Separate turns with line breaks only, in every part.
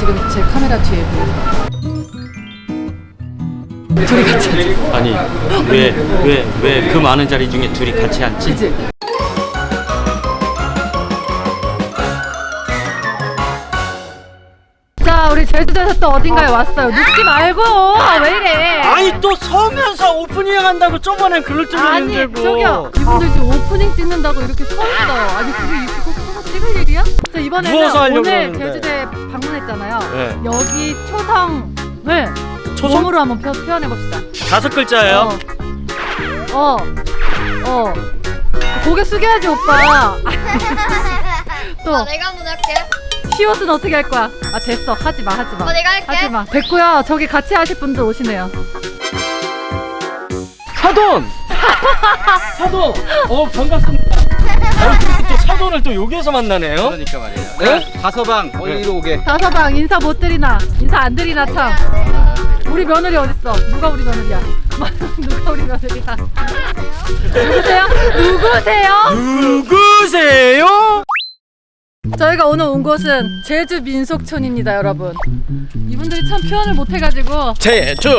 지금 제 카메라 뒤에 보여요. 둘이 같이 앉았어.
아니 왜 그 많은 자리 중에 둘이 같이 앉지?
그치? 자, 우리 제주도에서 또 어딘가에 왔어요. 눕지 말고. 왜 이래?
아니 또 서면서 오프닝 한다고 저번엔 그럴 줄
아니,
알았는데
저기요. 이분들 지금 오프닝 찍는다고 이렇게 서 있어요. 아니, 그게 이거 서서 찍을 일이야? 자, 이번에는
누워서 하려고
오늘
그러는데.
제주도에 방문했잖아요.
네.
여기 초성을
초성?
몸으로 한번 표현해봅시다.
5글자예요.
고개 숙여야지, 오빠. 또
내가 한번 할게.
키워드는 어떻게 할 거야? 아, 됐어. 하지 마.
내가 할게.
하지 마. 됐고요. 저기 같이 하실 분들 오시네요.
사돈! 사돈! 반갑습니다. 또 사돈을 또 여기에서 만나네요.
그러니까 말이에요.
네?
다서방 이리로 오게.
다서방 인사 못 드리나? 인사 안 드리나 참. 우리 며느리 어딨어? 누가 우리 며느리야? 누가 우리 며느리야? 누구세요?
누구세요?
저희가 오늘 온 곳은 제주 민속촌입니다, 여러분. 이분들이 참 표현을 못 해가지고.
제주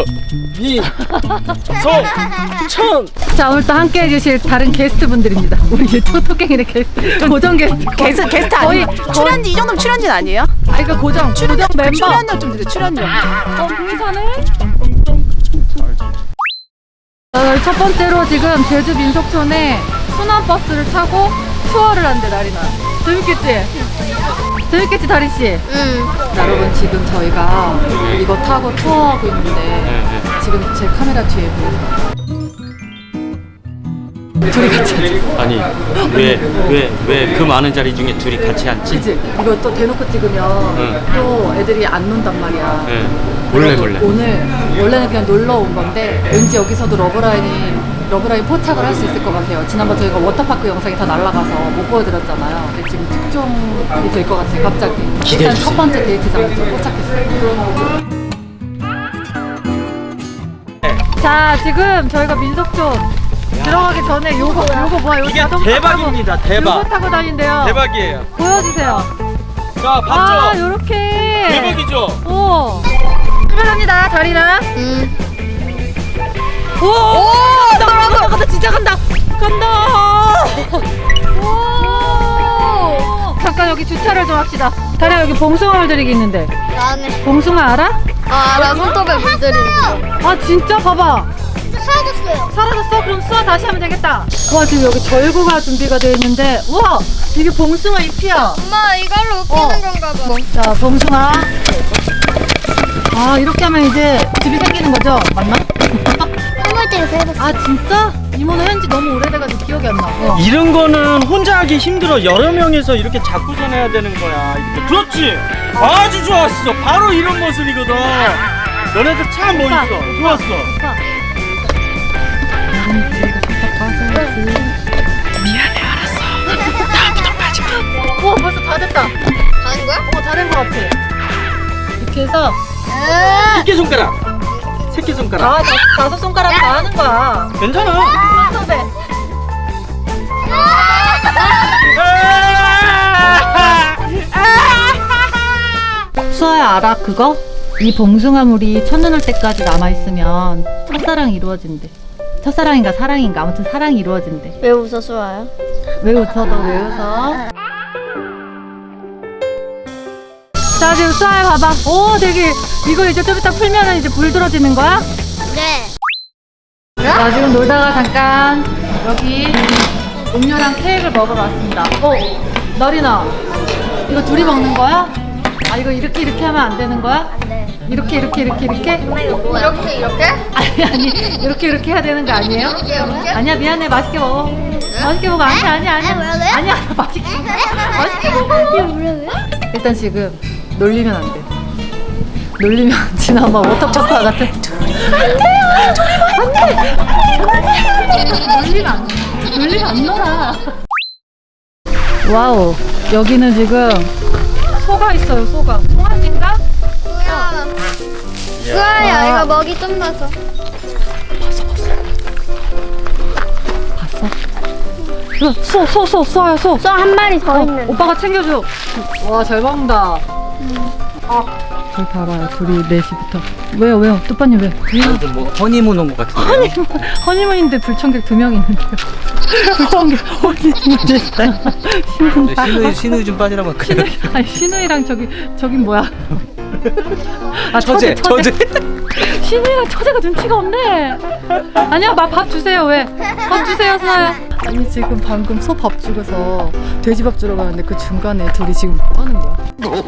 민속촌.
자, 오늘 또 함께 해주실 다른 게스트 분들입니다. 우리 토토갱이의 게스트, 고정 게스트.
게스트 아니에요? 출연료 이 정도면 출연료 아니에요?
아, 이거 고정 멤버.
출연료 좀 주세요. 출연료.
공사네. 첫 번째로 지금 제주 민속촌에 순환버스를 타고 투어를 한대, 나리나. 재밌겠지? 재밌겠지, 다리씨? 여러분, 지금 저희가 이거 타고 투어하고 있는데 지금 제 카메라 뒤에 보여요. 둘이 같이 앉았어.
아니 왜 그 많은 자리 중에 둘이 같이 앉지?
그치? 이거 또 대놓고 찍으면 또 애들이 안 논단 말이야.
네. 몰래.
오늘 원래는 그냥 놀러 온 건데 왠지 여기서도 러브라인 포착을 할 수 있을 것 같아요. 지난번 저희가 워터파크 영상이 다 날아가서 못 보여드렸잖아요. 근데 지금 특종이 될 것 같아요, 갑자기. 일단 첫 번째 데이트장을 좀 포착했어요. 자, 지금 저희가 민속촌 들어가기 전에 요거 뭐야? 요거
이게
자동차
대박입니다.
타고,
대박.
요거 타고 다닌대요.
대박이에요.
보여주세요.
자, 봤죠?
아, 요렇게.
대박이죠?
오. 출발합니다, 다리나. 오! 간다, 진짜 간다! 오! 잠깐 여기 주차를 좀 합시다. 다리야, 여기 봉숭아물 들이기 있는데.
나는.
봉숭아 알아?
나 손톱에 물들이는 거.
아, 진짜? 봐봐.
사라졌어요.
사라졌어? 그럼 수화 다시 하면 되겠다. 와, 지금 여기 절구가 준비가 되어 있는데, 우와! 이게 봉숭아 잎이야.
엄마 이걸로 웃기는 건가 봐.
자, 봉숭아. 아, 이렇게 하면 이제 집이 생기는 거죠? 맞나?
선물대에서 해봤어.
아, 진짜? 이모는 현지 너무 오래돼가지고 기억이 안 나.
이런 거는 혼자 하기 힘들어. 여러 명이서 이렇게 잡고선 해야 되는 거야. 이렇게. 그렇지. 아주 좋았어. 바로 이런 모습이거든. 너네들 참 멋있어. 좋았어.
미안해, 알았어. 다음부터 빠질게.
오, 벌써 다 됐다.
가는 거야?
다 된 것 같아. 이렇게 해서
새끼손가락.
다섯 손가락 다 하는 거야.
괜찮아.
선배. 수아야, 알아 그거? 이 봉숭아물이 첫눈 올 때까지 남아있으면 첫사랑이 이루어진대. 첫사랑인가 사랑인가 아무튼 사랑이 이루어진대.
왜 웃어 수아야?
왜 웃어? 너 왜 웃어? 자, 지금 수아야 봐봐. 오, 되게 이거 이제 좀 이따 풀면은 이제 불 들어지는 거야?
네.
자, 지금 놀다가 잠깐 여기 음료랑 케이크를 먹으러 왔습니다. 나리나, 이거 둘이 먹는 거야? 아, 이거 이렇게 하면 안 되는 거야?
네.
이렇게?
이렇게 이렇게?
아니 이렇게 해야 되는 거 아니에요?
이렇게?
아니야, 미안해. 맛있게 먹어. 맛있게 먹어. 아니야.
뭐라고요?
아니야, 맛있게 먹어.
이게 뭐라고요?
일단 지금 놀리면 안 돼. 놀리면 지난번 워터파크 같은. 놀리면 안 놀아. 와우, 여기는 지금 소가 있어요. 소가. 송아지인가?
수아야 이거 먹이 좀 넣어서.
봤어? 소야, 소.
소 한 마리 더 있는.
오빠가 챙겨줘. 와, 잘 먹는다. 저기 봐봐요. 둘이 4시부터. 왜요? 뚜빠님 왜?
무슨 뭐 허니문 온 것 같은데.
허니문인데 불청객 2명 있는데요. 불청객 허니문 됐어요.
신우이 좀 빠지라고 그냥.
아니 신우이랑 저긴 뭐야? 아
처제.
신우이랑 처제가 눈치가 없네. 아니야, 밥 주세요. 왜? 밥 주세요, 수아야. 아니 지금 방금 소 밥 주고서 돼지밥 주러 가는데 그 중간에 둘이 지금 뭐 하는 거야?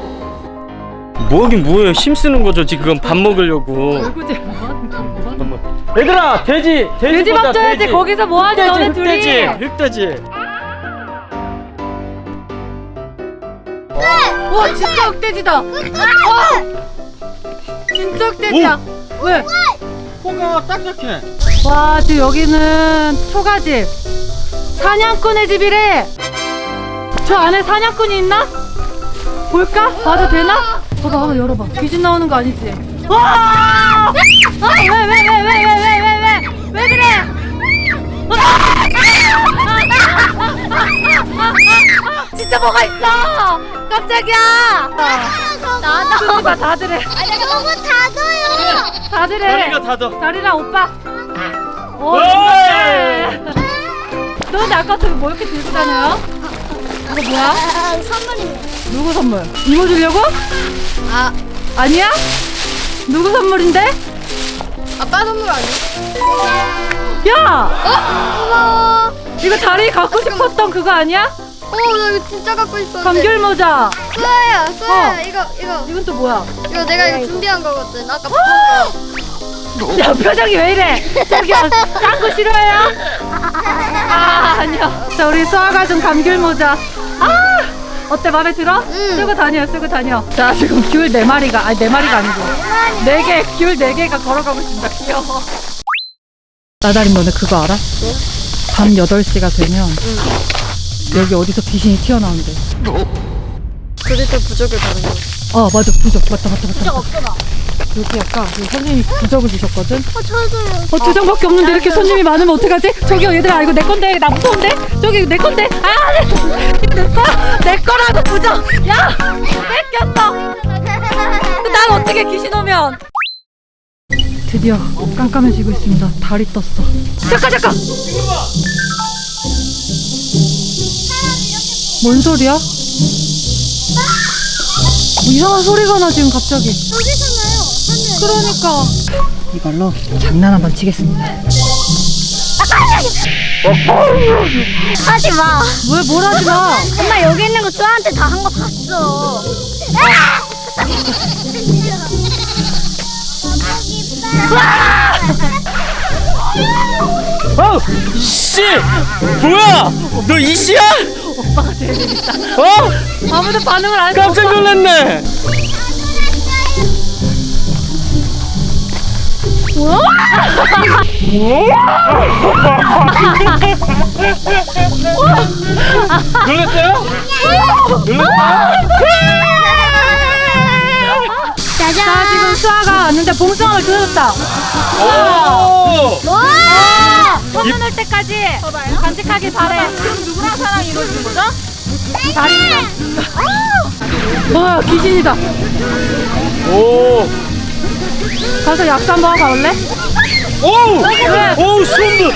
뭐긴 뭐예요? 힘쓰는 거죠 지금 밥 먹으려고.
얼굴질 뭐 하는 거야?
얘들아 돼지밥
돼지밥 줘야지. 거기서 뭐 하니 너네 둘이?
흑돼지.
와 진짜 흑돼지다. 와 진짜 흑돼지야. 왜?
코가 딱딱해.
와 지금 여기는 초가집. 사냥꾼의 집이래. 저 안에 사냥꾼이 있나? 볼까? 봐도 되나? 봐봐, 한번 열어봐. 귀신 나오는 거 아니지? 와! 왜 그래? 진짜 뭐가 있어? 깜짝이야. 나도. 봐, 다들 해.
너무 닫아요.
다들 해.
다리가 닫아.
다리랑 오빠. 오,
어이!
너 근데 아까부터 뭐 이렇게 들고 다녀요? 이거 뭐야?
선물입니다.
누구 선물? 이모 주려고?
아,
아니야? 누구 선물인데?
아빠 선물 아니야?
야!
고마워.
이거 다리 갖고 싶었던 그거 아니야?
나 이거 진짜 갖고 있었는데.
감귤 모자.
수아야, 이거.
이건 또 뭐야?
이거 내가 이거 준비한 거거든. 아까
야 표정이 왜 이래? 저기요 짠 거 싫어해요? 아니요. 자 우리 수아가 준 감귤 모자. 어때 마음에 들어? 쓰고 다녀. 자 지금 귤 4마리가 아니 4마리가 아니고 4개 귤 4개가 걸어가고 있습니다. 귀여워. 나다린 너네 그거 알아? 밤 8시가 되면 여기 어디서 귀신이 튀어나온대.
그리고 부적을 받은 거.
맞아 부적 맞다. 부적 없잖아. 여기 아까 선생님이 부적을 주셨거든.
저도요.
2장밖에 없는데 이렇게 손님이 많으면 어떡하지? 저기요 얘들아 이거 내 건데 나 무서운데? 저기 내 건데 이거 내 거야? 내 거라고 부적. 야 뺏겼어. 난 어떻게 귀신 오면? 드디어 깜깜해지고 있습니다. 달이 떴어. 잠깐. 뭔 소리야? 뭐 이상한 소리가 나 지금 갑자기.
여기잖아요.
그러니까 이걸로 장난 한번 치겠습니다.
하지 마.
왜 뭘 하지 마?
엄마 여기 있는 거 수아한테 다 한 거 봤어.
씨! 뭐야? 너 이씨야?
오빠가 제일 재밌다.
아무도
반응을 안 했어.
깜짝 놀랐네. 놀랐어요?
자 지금 수아가 왔는데 봉숭아를 뜯었다.
오!
소문 올 때까지 간직하길 바래. 그럼 누구랑 사랑이 이루어지는 거죠? 다리랑. 와 귀신이다.
오!
가서 약수 한번 하고 올래?
오!
왜?
오, 소름!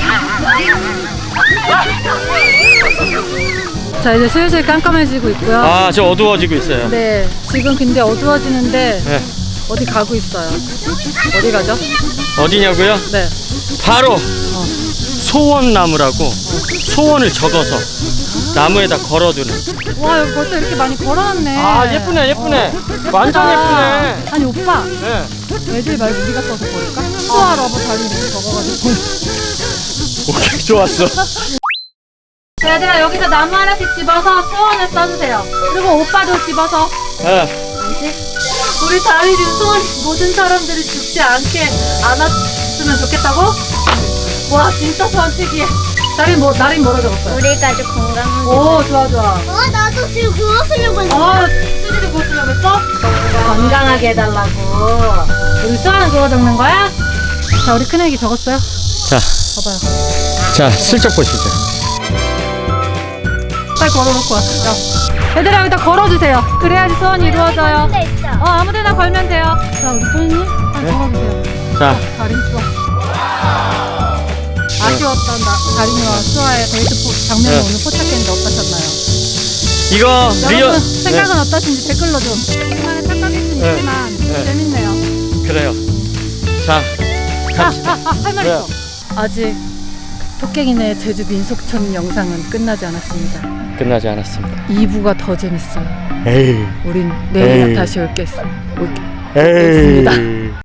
자 이제 슬슬 깜깜해지고 있고요.
아, 저 어두워지고 있어요.
네 지금 근데 어두워지는데
네.
어디 가고 있어요. 어디 가죠?
어디냐고요?
네.
바로 소원나무라고 소원을 적어서 나무에다 걸어두는.
와 여기 벌써 이렇게 많이 걸어놨네.
아, 예쁘네. 완전 예쁘네.
아니 오빠
네.
애들 말고 우리가 써서 버릴까? 수아 러브 달리 이렇게 적어가지고.
오케이, 좋았어.
자, 얘들아 여기서 나무 하나씩 집어서 소원을 써주세요. 그리고 오빠도 집어서.
네.
알지? 우리 다리는 소원 모든 사람들이 죽지 않게 안았으면 좋겠다고? 와 진짜 소원 특이해. 나린 뭐라 적었어요?
우리 가족 건강한.
오 좋아.
나도 지금 그거 쓰려고 했는데.
수지도 그거 쓰려고 했어? 건강하게 해달라고. 우리 수아는 그거 적는 거야? 자 우리 큰애기 적었어요?
자,
봐봐요.
자, 슬쩍 보시죠.
빨리 걸어놓고 와. 야. 얘들아 여기다 걸어주세요. 그래야지 소원이 이루어져요.
데 있죠.
아무데나 걸면 돼요. 자 우리 소연님 한
네.
걸어주세요.
자,
다리 쏘. 아쉬웠던 다리미와 수아의 데이트 장면을
네.
오늘 포착했는데 어떠셨나요?
이거 리얼.
여러분 생각은 어떠신지 댓글로 좀. 우리만의 착각일 수는
네.
있지만
네.
재밌네요.
그래요. 자, 갑시다.
할 말
네.
있어. 아직 토깽이네 제주 민속촌 영상은 끝나지 않았습니다.
끝나지 않았습니다.
2부가 더 재밌어요.
에이.
우린 내일
에이.
다시
에이.
올겠습니다.